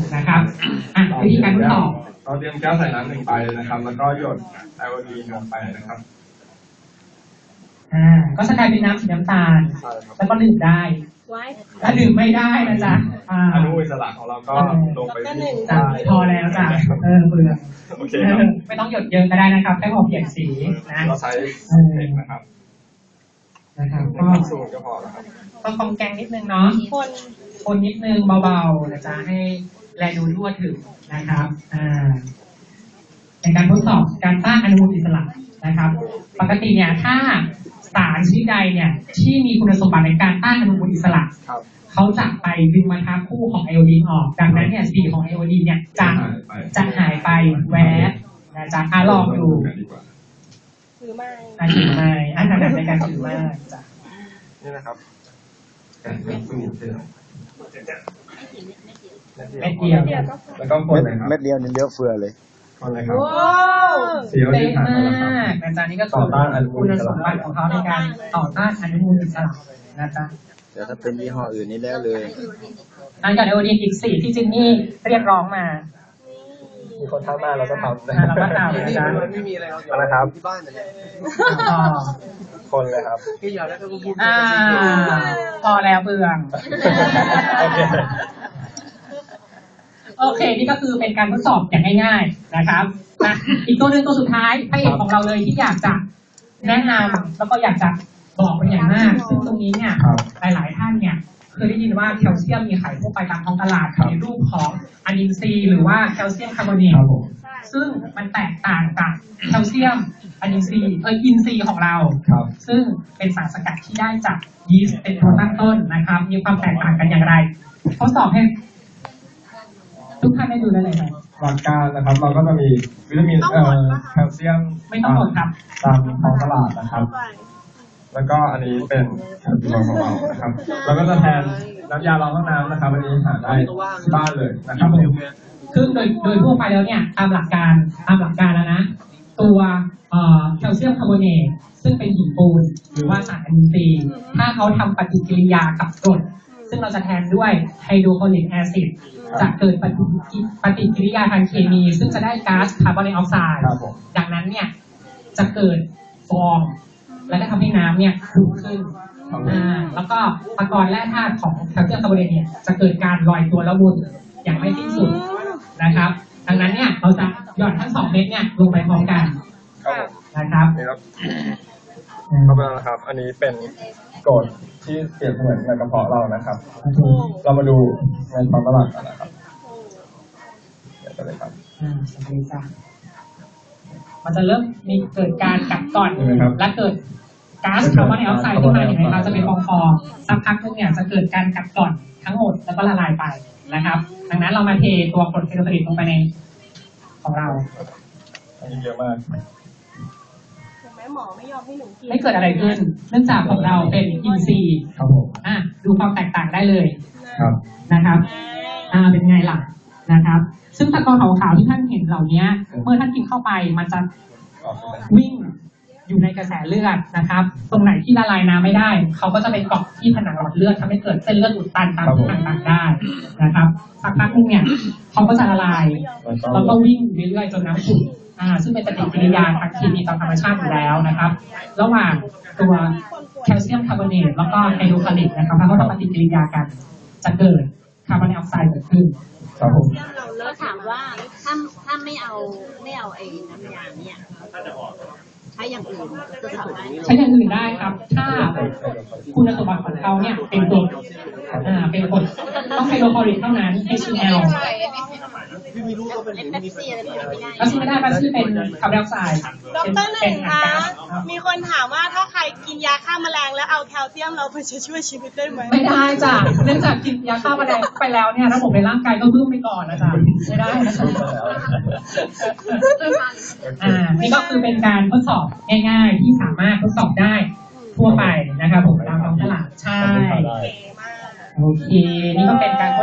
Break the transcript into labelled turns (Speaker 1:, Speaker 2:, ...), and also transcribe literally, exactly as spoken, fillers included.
Speaker 1: นะครับอ่ะวิธีการทดสอบ
Speaker 2: เราเตรียมแก้วใส่น้ำหนึ่งใบนะครับแล้วก็หยดไอโอดีนลงไปนะครับ
Speaker 1: อ่าก็จะกลายเป็นน้ำสีน้ำตาลแล้วก็ดื่มได้ถ้าดื่มไม่ได้นะจ๊ะ
Speaker 2: อนุอิสระของเราก็ลงไปที่
Speaker 1: พอแล้วจ้ะเออเบื่อ
Speaker 2: โอเคครับ
Speaker 1: ไม่ต้องหยดเยอะก็ได้นะครับแค่พอเปลี่ยนสีนะ
Speaker 2: เราใช้เทคนะครับ
Speaker 1: นะครับก็
Speaker 2: สูตรก็พอแล้วครับ
Speaker 1: ต้องฟองแกงนิดนึงเนาะคนคนนิดนึงเบาๆนะจ๊ะให้แลดูทั่วถึงนะครับอ่าในการทดสอบการต้านอนุมูลอิสระนะครับปกติเนี่ยถ้าสารชนิดใดเนี่ยที่มีคุณสมบัติในการต้านอนุมูลอิสระเขาจะไปดึงมาทับคู่ของไอโอดีนออกดังนั้นเนี่ยสีของไอโอดีนเนี่ยจะจะหายไปแวบนะจ๊ะอ่ะลองดู
Speaker 3: ถือไม้
Speaker 1: อ่ะถือไม้อ่ะถนัดในการถือไม้จ้ะ
Speaker 2: นี่นะครับการเพิ่มสูตรเ
Speaker 1: เม็ดเดียว
Speaker 2: แล้วก็คนเลยครับ
Speaker 4: เม็ดเดียวนี่เยอะเฟือเลย
Speaker 2: คนเลยครับ
Speaker 1: เสียวดีมากนะจ๊ะนี่ก็ต่อต้านอนุมูลอิสระของเขาในการต่อต้านอนุมูลอิสระนะจ๊ะ
Speaker 4: แต่ถ้าเป็นยี่ห้ออื่นนี่แล้วเลย
Speaker 1: อันกับไอโอดีนอีกสี่ที่จินนี่เรียกร้องมา
Speaker 2: มีคนทักมาเราก็ทำนะ
Speaker 1: เราก็ทำนะจ๊ะ
Speaker 2: ไม่มีอะไรอะไรครับที่บ้านเนี่ยคนเลยครับ
Speaker 1: พี่ยอดแล้วก็พูดอ่าพอแล้วเบื่อโอเคโอเคนี่ก็คือเป็นการทดสอบอย่างง่ายๆนะครับนะอีกตัวหนึ่งตัวสุดท้ายพระเอกของเราเลยที่อยากจะแนะนำแล้วก็อยากจะบอกเป็นอย่างมากซึ่งตรงนี้เนี่ยหลายๆท่านเนี่ยเคยได้ยินว่าแคลเซียมมีขายทั่วไปตามท้องตลาดในรูปของอะนินซีหรือว่าแคลเซียมคาร์บอเนตซึ่งมันแตกต่างกับแคลเซียมอะนินซีเอออินซีของเราซึ่งเป็นสารสกัดที่ได้จากยีสต์เป็นตัวตั้งต้นนะครับมีความแตกต่างกันอย่างไรทดสอบให้ทุกท่านได้ดูได้เลยครับ
Speaker 2: หลักการนะครับเราก็จะมีวิตามินเอ่อแคลเซียม
Speaker 1: ไม่ต้องหมดครับ
Speaker 2: ตามท้องตลาดนะครับแล้วก็อันนี้เป็นแคลเซียมของเรานะครับเราก็จะแทนน้ำยาล้างห้องน้ำนะครับอันนี้หาได้ที่บ้านเลยนะครับ
Speaker 1: ซึ่งโดยโดยทั่วไปแล้วเนี่ยตามหลักการตามหลักการแล้วนะตัวแคลเซียมคาร์บอเนตซึ่งเป็นหินปูนหรือว่าสารอะมินซีถ้าเขาทำปฏิกิริยากับกรดซึ่งเราจะแทนด้วยไฮโดรคลอริกแอซิดจะเกิดปฏิปฏิกิริยาทางเคมีซึ่งจะได้ก๊าซคาร์บอนไดออกไซด์ดังนั้นเนี่ยจะเกิดฟองแล้วก็ทำให้น้ำเนี่ยขุ่นขึ้นอ่าแล้วก็ตะกอนแร่ธาตุของแคลเซียมคาร์บอเนตเนี่ยจะเกิดการลอยตัวแล้ววนอย่างไม่สิ้นสุดนะครับดังนั้นเนี่ยเราจะหย่อนทั้งสองเม็ดเนี่ยลงไปพร้อมกันนะครับ
Speaker 2: นี่ครับเข้าไปแล้วนะครับอันนี้เป็นกรดที่เปรียบเหมือนในกระเพาะเรานะครับเรามาดูในท้องตลาดกันนะครับเดี๋ยวจะเลยครับ
Speaker 1: อ่าสวัสดีจ้ะมันจะเริ่มมีเกิดการกัดก่อนและเกิดก๊าซคาร์บอนไดออกไซด์ขึ้นมาอย่างไรคะจะเป็นฟองๆสักพักนึงเนี่ยจะเกิดการกัดก่อนทั้งหมดแล้วก็ละลายไปนะครับดังนั้นเรามาเทตัวกรดไฮโดรคลอริกลงไปในของเรา
Speaker 2: อันนี้เยอะมาก
Speaker 3: หมอไม่ยอมให้หนูกิน
Speaker 1: ไม่เกิดอะไรขึ้นเนื่องจากของเราเป็นอินทรีย์
Speaker 2: ครับผม
Speaker 1: อ่ะดูความแตกต่างได้เลย
Speaker 2: ครับ
Speaker 1: นะครับอ่าเป็นไงล่ะนะครับซึ่งตะกอนขาวๆที่ท่านเห็นเหล่านี้เมื่อท่านกินเข้าไปมันจะวิ่งอยู่ในกระแสเลือดนะครับตรงไหนที่ละลายน้ำไม่ได้เขาก็จะไปเกาะที่ผนังหลอดเลือดทำให้เกิดเส้นเลือดอุดตันตามที่ต่างๆได้นะครับสักพักนึงเนี่ยเขาก็จะละลายแล้วก็วิ่งเรื่อยๆจนน้ำขุ่นอ่าซึ่งเป็นปฏิกิริยาทางเคมีตามธรรมชาติอยู่แล้วนะครับระหว่างตัวแคลเซียมคาร์บอเนตแล้วก็ไฮโดรคลอริกนะครับถ้าเขาทำปฏิกิริยากันจะเกิดคาร์บอนไดออกไซด์เกิดขึ้น
Speaker 2: ครับผม
Speaker 3: แล้วถามว่าถ้าถ้าไม่เอาไม่เอาไอ้น้ำยาเนี่ยใช้อย่างอื่นจะทำได้
Speaker 1: ใช้อย่างอื่นได้ครับถ้าคุณสมบัติของเขาเนี่ยเป็นกรดอ่าเป็นกรดต้องไฮโดรคลอริกเท่านั้น เอช ซี แอล
Speaker 3: พี่ไม่รู้ก็เป็นเป๊ปซี่อะไรไม่ได้
Speaker 1: ก็ชื่อไม่ได้มันชื่อเป็นคาร์บอนไดออกไซด์
Speaker 3: ดร.หนึ่งคะมีคนถามว่าถ้าใครกินยาฆ่าแมลงแล้วเอาแคลเซียมเราไปจะช่วยชีวิตได้ไหม
Speaker 1: ไม่ได้จ้ะเนื่องจากกินยาฆ่าแมลงไปแล้วเนี่ยระบบในร่างกายก็บึ้มไปก่อนนะจ๊ะไม่ได้นะจ๊ะอ่านี่ก็คือเป็นการทดสอบง่ายๆที่สามารถทดสอบได้ทั่วไปนะครับผมตามท้องตลาดใช่โอเคนี่ก็เป็นการ